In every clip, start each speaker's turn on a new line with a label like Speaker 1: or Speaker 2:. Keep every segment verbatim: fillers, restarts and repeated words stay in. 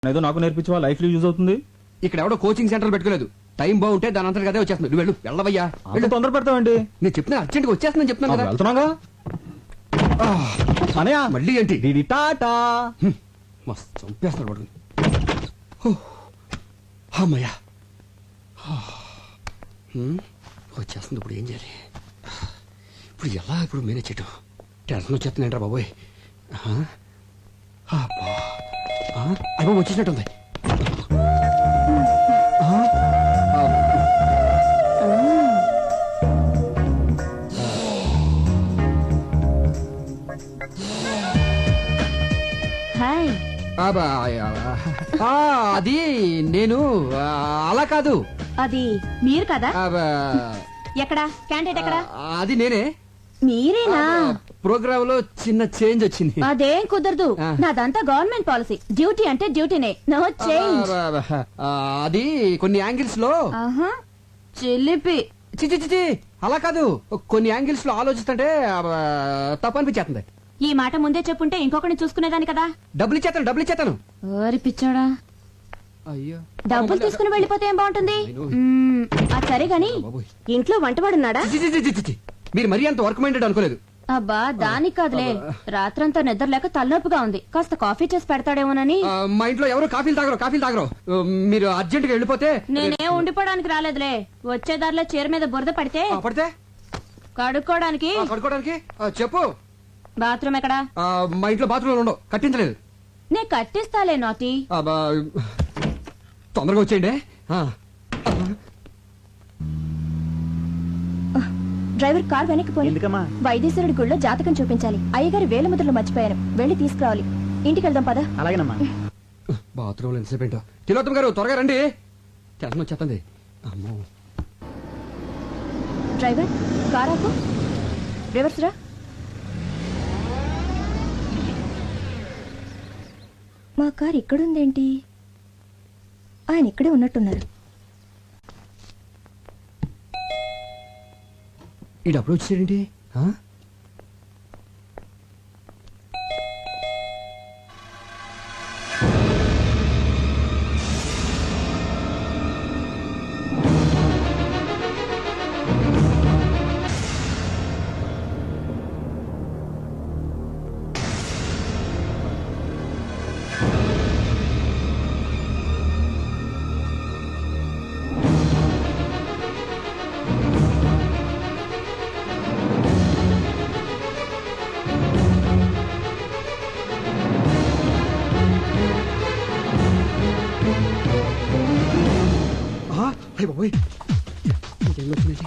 Speaker 1: ఏదో నాకు నేర్పించవా, లైఫ్ లో యూజ్ అవుతుంది.
Speaker 2: ఇక్కడ ఎవడో కోచింగ్ సెంటర్ పెట్టుకోలేదు. టైం బాగుంటే దాని అంతా కదే వచ్చేస్తుంది. నువ్వు వెళ్ళు, వెళ్ళవయ్యా.
Speaker 1: అంత తొందర పెడతావండి?
Speaker 2: నేను చెప్తున్నా అర్జెంట్ గా వచ్చేస్తుందని చెప్తున్నాను కదా.
Speaker 1: వెళ్తున్నాగా అనయా.
Speaker 2: మళ్ళీ ఏంటి?
Speaker 1: డిడి టాటా.
Speaker 2: మస్తు చంపేస్తాడు పడుకుని. అమ్మయ్యా, వచ్చేస్తుంది. ఇప్పుడు ఏం చేయాలి? ఇప్పుడు ఎలా ఇప్పుడు మేనేజ్ చేయటం? టెన్షన్ వచ్చేస్తుందంటారా బాబోయ్. అయ్యో వచ్చేసినట్టుంది. అది నేను అలా కాదు.
Speaker 3: అది మీరు కదా? ఎక్కడా క్యాండిడేట్ ఎక్కడా?
Speaker 2: అది నేనే.
Speaker 3: మీరేనా?
Speaker 2: ప్రోగ్రామ్ లో చిన్న చేంజ్ వచ్చింది.
Speaker 3: అదేం కుదరదు, నాదంతా గవర్నమెంట్ పాలసీ. డ్యూటీ అంటే డ్యూటీనే, నో చేంజ్.
Speaker 2: అది కొన్ని యాంగిల్స్ లో
Speaker 3: చిలిపి.
Speaker 2: చిచి చిచి అలా కాదు. కొన్ని యాంగిల్స్ లో ఆలోచిస్తుంటే తప్పు అనిపించేస్తుంది.
Speaker 3: ఈ మాట ముందే చెప్పుంటే ఇంకొకరిని చూసుకునేదాని కదా.
Speaker 2: డబ్బులు ఇచ్చేతాను, డబ్బులు ఇచ్చేతాను.
Speaker 3: ఓరి పిచ్చాడా,
Speaker 2: అయ్యో
Speaker 3: డబ్బులు తీసుకుని వెళ్ళిపోతే ఏం బాగుంటుంది? అది సరే గాని ఇంట్లో వంటవాడున్నాడా?
Speaker 2: మీరు మరీ అంత వర్క్ మైండెడ్ అనుకోలేదు.
Speaker 3: అబ్బా దానికి కాదులే, రాత్రంతా నిద్ర లేక తలనొప్పిగా ఉంది. కాస్త కాఫీ చేసి పెడతాడేమోనని.
Speaker 2: మా ఇంట్లో ఎవరు కాఫీలు తాగరు, కాఫీలు తాగరు. మీరు అర్జెంట్ గా వెళ్ళిపోతే.
Speaker 3: నేనే ఉండిపోవడానికి రాలేదులే, వచ్చేదారిలో చీర మీద బురద పడితే
Speaker 2: పడితే
Speaker 3: కడుక్కోవడానికి.
Speaker 2: కడుక్కోవడానికి చెప్పు.
Speaker 3: బాత్రూమ్ ఎక్కడా?
Speaker 2: మా ఇంట్లో బాత్రూమ్ ఉండవు, కట్టించలేదు.
Speaker 3: నే కట్టిస్తాలే నాటి.
Speaker 2: తొందరగా వచ్చేయండి.
Speaker 3: డ్రైవర్ కార్ వెనక్కి పోయి.
Speaker 1: ఎందుకమ్మా?
Speaker 3: వైద్యశ్వరుడి గుళ్ళో జాతకం చూపించాలి. అయ్యగారి వేల ముద్రలు మర్చిపోయాను, వెళ్ళి తీసుకురావాలి. ఇంటికి వెళ్దాం పద.
Speaker 1: అలాగేనమ్మా.
Speaker 2: బాత్రూమ్ లో ఎంతసేపు ఏంటో. తిలోత్తమ గారు త్వరగా రండి, టెన్షన్ వచ్చేస్తుంది. అమ్మో.
Speaker 3: డ్రైవర్ కార్ ఆపు, రివర్స్ రా. మా కార్ ఇక్కడుందేంటి? ఆయన ఇక్కడే ఉన్నట్టున్నారు.
Speaker 2: ఈ డబ్బులు వచ్చేసేంటి? బాబోయ్ ఇంకేం వచ్చిందండి?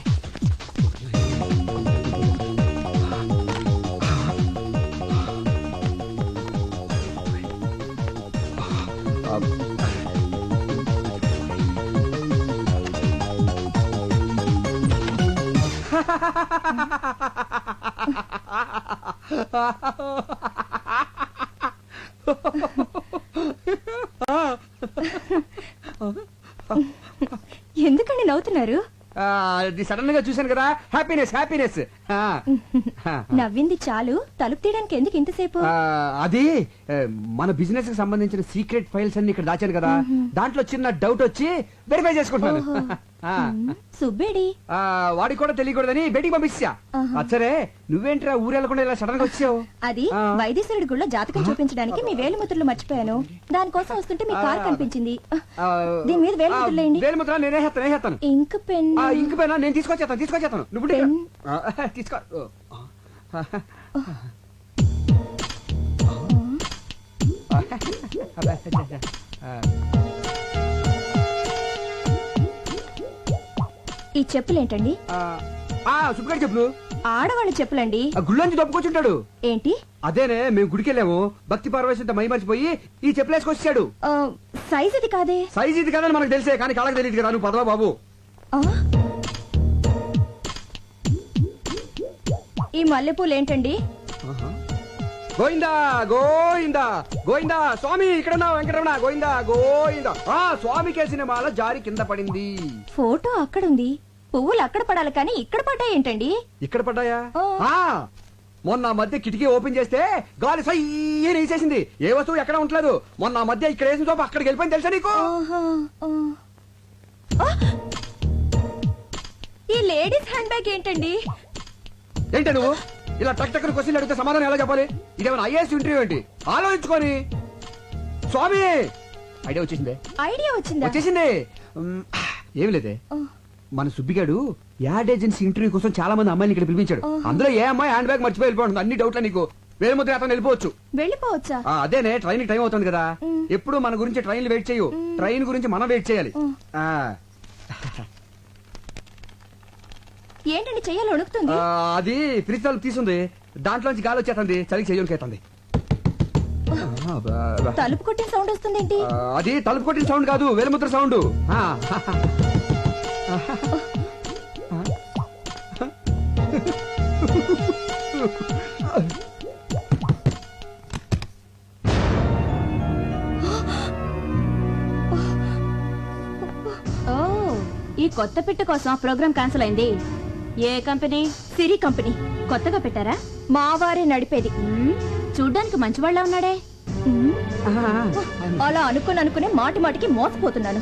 Speaker 3: ఎందుకండి నవ్వుతున్నారు?
Speaker 2: సడన్ గా చూశాను కదా, హ్యాపీనెస్ హ్యాపీనెస్.
Speaker 3: నవ్వింది చాలు, తలుపు తీయడానికి ఎందుకు ఇంతసేపు?
Speaker 2: అది మన బిజినెస్ కి సంబంధించిన సీక్రెట్ ఫైల్స్ అన్ని ఇక్కడ దాచాను కదా, దాంట్లో చిన్న డౌట్ వచ్చి వెరిఫై చేసుకుంటున్నాను.
Speaker 3: సుబ్బేడి
Speaker 2: వాడికి కూడా తెలియకూడదని బయటికి పంపించా. అచ్చరే నువ్వేంట్రా ఊరెళ్ళకుండా ఇలా సడన్ గా వచ్చావు?
Speaker 3: అది వైద్యశ్వరుడి గుళ్ళో జాతకం చూపించడానికి మీ వేలుముద్రలు మర్చిపోయాను. దానికోసం వస్తుంటే మీ కార్ కనిపించింది. దీని మీద వేలుముద్రలేండి.
Speaker 2: వేలుముద్ర నేనే హేస్తాను, నేనేస్తాను.
Speaker 3: ఇంక్ పెన్.
Speaker 2: ఇంక్ పెన్ నేను తీసుకొచ్చేస్తాను, తీసుకొచ్చేస్తాను. నువ్వు తీసుకో.
Speaker 3: ఈ చెప్పులేంటండి?
Speaker 2: సుబ్బగారి చెప్పులు.
Speaker 3: ఆడవాళ్ళ చెప్పులండి.
Speaker 2: గుళ్ళోంచి దొప్పుకొచ్చుంటాడు.
Speaker 3: ఏంటి?
Speaker 2: అదేనే, మేము గుడికెళ్ళాము, భక్తి పార్వశంతో మై మర్చిపోయి ఈ చెప్పులు వేసుకొచ్చాడు.
Speaker 3: సైజ్ ఇది కాదే.
Speaker 2: సైజ్ ఇది కాదని మనకు తెలిసే, కానీ కాళ్ళకి తెలియదు కదా. నువ్వు పదవా బాబు.
Speaker 3: ఈ మల్లెపూలు ఏంటండి?
Speaker 2: గోయిందా గోయిందా గోయిందా స్వామి, ఇక్కడ వెంకటరమణ. గోయిందా గోయిందా. ఆ స్వామి కేసిన మాల జారి కింద పడింది.
Speaker 3: ఫోటో అక్కడుంది, పువ్వులు అక్కడ పడాలి కానీ ఇక్కడ పడ్డాయి ఏంటండి?
Speaker 2: ఇక్కడ పడ్డాయా? మొన్న ఆ మధ్య కిటికీ ఓపెన్ చేస్తే గాలి సయ్యని వేసేసింది. ఏ వస్తువు ఎక్కడ ఉండలేదు. మొన్న ఆ మధ్య ఇక్కడ వేసిన సోపు అక్కడికి వెళ్ళిపోయింది తెలుసా నీకు?
Speaker 3: ఆహా, ఆ. ఆ! ఈ లేడీస్ హ్యాండ్ బ్యాగ్ ఏంటండి?
Speaker 2: ఏంటి నువ్వు ఇలా టక్ టక్ క్వశ్చన్లు అడిగితే సమాధానం ఎలా చెప్పాలి? ఇదేమైనా ఐఏఎస్ ఇంటర్వ్యూ ఏంటి? ఆలోచించుకొని. స్వామి ఐడియా వచ్చేసిందే.
Speaker 3: ఐడియా వచ్చిందా?
Speaker 2: వచ్చేసింది. ఉమ్, ఏమి లేదే,
Speaker 3: ఆ,
Speaker 2: మన సుబ్బిగాడు యాడ్ ఏజెన్సీ ఇంటర్వ్యూ కోసం చాలా మంది అమ్మాయిని ఇక్కడ పిలిపించాడు.
Speaker 3: ఆహా.
Speaker 2: అందులో ఏ అమ్మాయి హ్యాండ్ బ్యాగ్ మర్చిపోయి వెళ్ళిపోతుంది. అన్ని డౌట్లే నీకు. వేరే ముద్ర అతను వెళ్ళిపోవచ్చు.
Speaker 3: వెళ్ళిపోవచ్చా?
Speaker 2: ఆ, అదేనే ట్రైన్ టైం అవుతుంది కదా.
Speaker 3: ఉమ్.
Speaker 2: ఎప్పుడు మన గురించి ట్రైన్లు వెయిట్ చేయు. ట్రైన్ గురించి మనం వెయిట్ చేయాలి.
Speaker 3: ఉమ్.
Speaker 2: ఆ,
Speaker 3: ఏంటండి చెయ్యాలి వణుకుతుంది?
Speaker 2: ఆ, అది ఫ్రిడ్జ్ తలుపు తీసుంది. దాంట్లోంచి గాలి వచ్చేస్తుంది. చలికి చెయ్యకేస్తుంది.
Speaker 3: తలుపు కొట్టిన సౌండ్ వస్తుంది ఏంటి?
Speaker 2: అది తలుపు కొట్టిన సౌండ్ కాదు, వేలుముద్ర సౌండ్. ఆ.
Speaker 4: ఓ, ఈ కొత్త పిట్ట కోసం ప్రోగ్రామ్ క్యాన్సిల్ అయింది. ఏ కంపెనీ?
Speaker 3: సిరి కంపెనీ.
Speaker 4: కొత్తగా పెట్టారా?
Speaker 3: మా వారే నడిపేది.
Speaker 4: మ్మ్, చూడ్డానికి మంచివాళ్ళ ఉన్నాడే.
Speaker 3: ఉమ్,
Speaker 2: ఆ.
Speaker 3: అలా అనుకుని అనుకునే మాటి మాటికి మోసపోతున్నాను.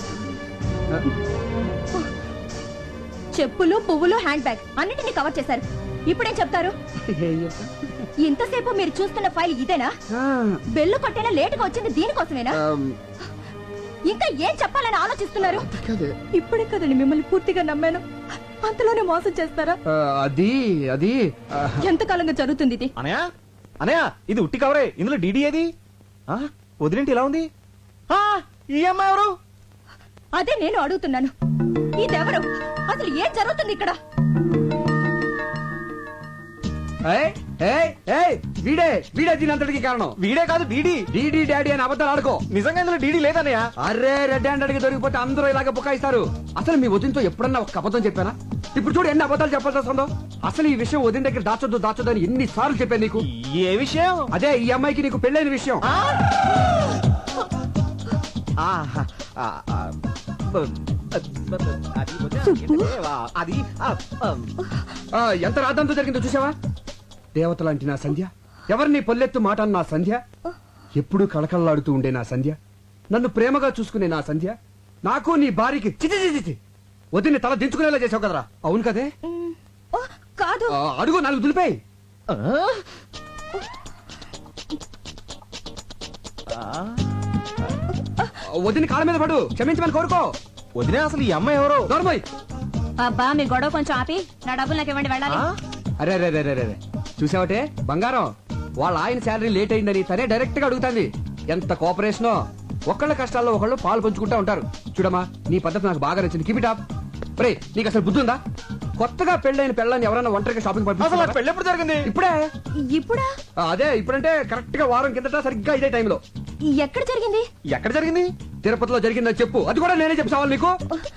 Speaker 3: చెప్పులు, పువ్వులు, హ్యాండ్ బ్యాగ్ అన్నిటిని కవర్ చేశారు. ఇప్పుడేం చెప్తారు?
Speaker 2: ఏం చెప్తా?
Speaker 3: ఇంతసేపు మీరు చూస్తున్న ఫైల్ ఇదేనా?
Speaker 2: ఆ,
Speaker 3: బెల్లు కొట్టైనా లేటుగా వచ్చింది దీనికోసమేనా?
Speaker 2: ఆమ్,
Speaker 3: ఇంకా ఏం చెప్పాలని ఆలోచిస్తున్నారు?
Speaker 2: కాదే.
Speaker 3: ఇప్పుడే కదండి మిమ్మల్ని పూర్తిగా నమ్మాను. అంతలోనే మోసం చేస్తారా?
Speaker 2: ఆ, అది అది ఆ,
Speaker 3: ఎంతకాలంగా జరుగుతుంది ఇది?
Speaker 1: అనయా అనయా ఇది ఉట్టి కవరే. ఇందులో డీడీ ఏది? ఆ, వదిలేంటి ఇలా ఉంది? ఆ, ఈ అమ్మాయి ఎవరు?
Speaker 3: అదే నేను అడుగుతున్నాను. ఇదెవరు? అసలు ఏం జరుగుతుంది ఇక్కడ?
Speaker 2: ఏయ్, ఏయ్, ఏయ్, వీడే వీడే దీని అంతటికి కారణం.
Speaker 1: వీడే కాదు డీడీ.
Speaker 2: డీడీ డాడీ అని అబద్ధాలు ఆడుకో.
Speaker 1: నిజంగా ఇందులో డీడీ లేదన్నయ్య.
Speaker 2: అరే రెడ్ హ్యాండ్ అడిగి దొరికిపోతే అందరూ ఇలాగ బుకాయిస్తారు. అసలు మీ వదినతో ఎప్పుడన్నా ఒక అబద్ధం చెప్పానా? ఇప్పుడు చూడు ఎన్ని అబద్ధాలు చెప్పాల్సి వస్తుందో. అసలు ఈ విషయం వదిన దగ్గర దాచొద్దు దాచొద్దు అని ఎన్ని సార్లు చెప్పాను నీకు.
Speaker 1: ఏ విషయం?
Speaker 2: అదే ఈ అమ్మాయికి నీకు పెళ్ళైన విషయం.
Speaker 1: ఆ? ఆహా, ఆ, ఆ, అది ఏంటంటే, అది ఆ, ఆ,
Speaker 2: ఆ, ఎంత రాద్దంతో జరిగిందో చూసావా? దేవత లాంటి నా సంధ్య, ఎవరిని పొల్లెత్తు మాట అన్న నా సంధ్య, ఎప్పుడూ కళకళలాడుతూ ఉండే నా సంధ్య, నన్ను ప్రేమగా చూసుకునే నా సంధ్య, నాకు నీ భార్యకి చిచి చిచి చిచి వదిని తల దించుకునేలా చేసావు కదరా. అవును కదే?
Speaker 3: ఉమ్, ఓ, కాదు.
Speaker 2: ఆ, అడుగు నాలుగు దులిపాయి.
Speaker 1: ఆ? ఆ?
Speaker 2: వదిని కాళ్ళ మీద పడు, క్షమించమని కోరుకో.
Speaker 1: వదిలే అసలు ఈ అమ్మాయి ఎవరు?
Speaker 2: నోర్మోయ్.
Speaker 4: అబ్బా, మీ గొడవ కొంచెం ఆపి నా డబ్బులు నాకు ఇవ్వండి, వెళ్ళాలి.
Speaker 1: ఆ?
Speaker 2: అరే రే రే రే రే చూసావటే బంగారం, వాళ్ళ ఆయన శాలరీ లేట్ అయిందని తనే డైరెక్ట్ గా అడుగుతాంది. ఎంత కోఆపరేషనో. ఒకళ్ళ కష్టాల్లో ఒకళ్ళు పాలు పంచుకుంటా ఉంటారు. చూడమ్మా, నీ పద్ధతి నాకు బాగా నచ్చింది. Keep it up. రే, నీకు అసలు బుద్ధి ఉందా? కొత్తగా పెళ్ళైన పెళ్ళని ఎవరైనా ఒంటరిగా షాపింగ్
Speaker 1: అసలు
Speaker 2: పంపిస్తారా?
Speaker 1: నాకు పెళ్ళి ఎప్పుడు జరిగింది?
Speaker 2: ఇప్పుడే.
Speaker 3: ఇప్పుడా?
Speaker 2: ఆ, అదే ఇప్పుడంటే కరెక్ట్ గా వారం కిందట సరిగ్గా ఇదే టైంలో.
Speaker 3: ఎక్కడ జరిగింది?
Speaker 1: ఎక్కడ జరిగింది?
Speaker 2: తిరుపతిలో జరిగిందని చెప్పు. అది కూడా నేనే చెప్తావాలి నీకు.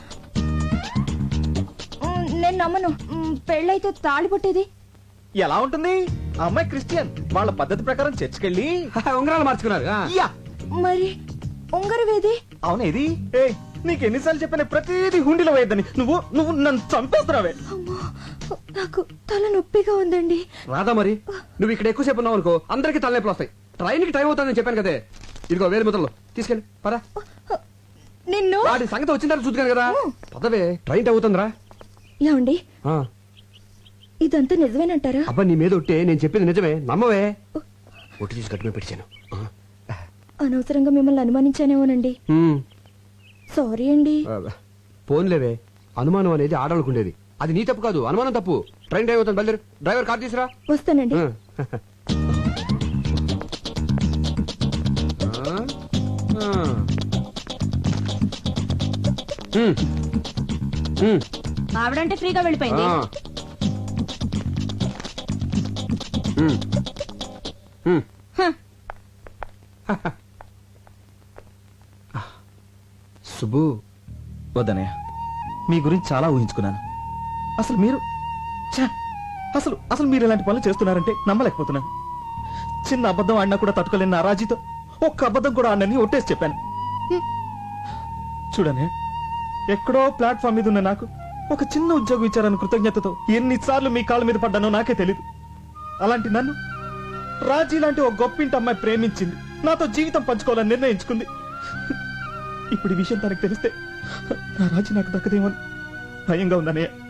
Speaker 3: ఉమ్, నేను నమ్మను. ఉమ్, పెళ్ళైతే తాళి పుట్టేది.
Speaker 1: ఎలా ఉంటుంది? ఆ అమ్మాయి క్రిస్టియన్. వాళ్ళ పద్ధతి ప్రకారం చర్చికెళ్ళి
Speaker 2: ఉంగరాలు మార్చుకున్నారు. ఆ.
Speaker 1: యా,
Speaker 3: మరి ఉంగరవేది?
Speaker 1: అవునేది? ఏ, నీకు ఎన్నిసార్లు చెప్పిన ప్రతిదీ హుండీలో వేయద్దని. నువ్వు నువ్వు నన్ను చంపేస్తున్నావే.
Speaker 3: అమ్మో, నాకు తల నొప్పిగా ఉందండి.
Speaker 2: రాదా మరి? నువ్వు ఇక్కడ ఎక్కువసేపు ఉన్నావు అనుకో, అందరికి తలనొప్పులు వస్తాయి. ట్రైన్ కి టైం అవుతుందని చెప్పాను కదే. ఇదిగో వేలు ముద్రలు తీసుకెళ్ళి పదా.
Speaker 3: నిన్ను
Speaker 2: వాడి సంగతి వచ్చిన తర్వాత చూద్దాను కదా. పదవే, ట్రైన్ టైం అవుతుందిరా.
Speaker 3: ఏమండి,
Speaker 2: ఆ,
Speaker 3: ఇదంతా నిజమేనంటారా?
Speaker 2: అబ్బా నీ మీద ఒట్టే, నేను చెప్పింది నిజమే, నమ్మవే. ఒట్టి తీసి గట్టిగా పెట్టాను.
Speaker 3: అనవసరంగా మిమ్మల్ని అనుమానించానేమోనండి. సారీ అండి.
Speaker 2: ఫోన్లేవే, అనుమానం అనేది ఆడాలనుకుండేది. అది నీ తప్పు కాదు, అనుమానం తప్పు. ట్రైన్ టైం అవుతుంది, బయలుదేరు. డ్రైవర్ కార్ తీసురా.
Speaker 3: వస్తానండి.
Speaker 2: ఆ. ఆ. ఉమ్. ఉమ్.
Speaker 4: ఆవిడంటే ఫ్రీగా వెళ్ళిపోయింది.
Speaker 2: ఆ. ఉమ్. ఉమ్.
Speaker 4: హ,
Speaker 2: సుబ్బు,
Speaker 1: వద్దనయ్య, మీ గురించి చాలా ఊహించుకున్నాను. అసలు మీరు ఛ! అసలు అసలు మీరు ఇలాంటి పనులు చేస్తున్నారంటే నమ్మలేకపోతున్నాను. చిన్న అబద్ధం ఆడినా కూడా తట్టుకోలేని నా రాజీతో ఒక్క అబద్ధం కూడా ఆడనని ఒట్టేసి చెప్పాను. హ్మ్. చూడనే, ఎక్కడో ప్లాట్ఫామ్ మీద ఉన్న నాకు ఒక చిన్న ఉద్యోగం ఇచ్చారని కృతజ్ఞతతో ఎన్నిసార్లు మీ కాళ్ళ మీద పడ్డానో నాకే తెలీదు. అలాంటి నన్ను రాజీ లాంటి ఒక గొప్పింటి అమ్మాయి ప్రేమించింది, నాతో జీవితం పంచుకోవాలని నిర్ణయించుకుంది. ఇప్పుడు ఈ విషయం తనకు తెలిస్తే నా రాజీ నాకు దక్కదేమో భయంగా ఉందన్నయ్య.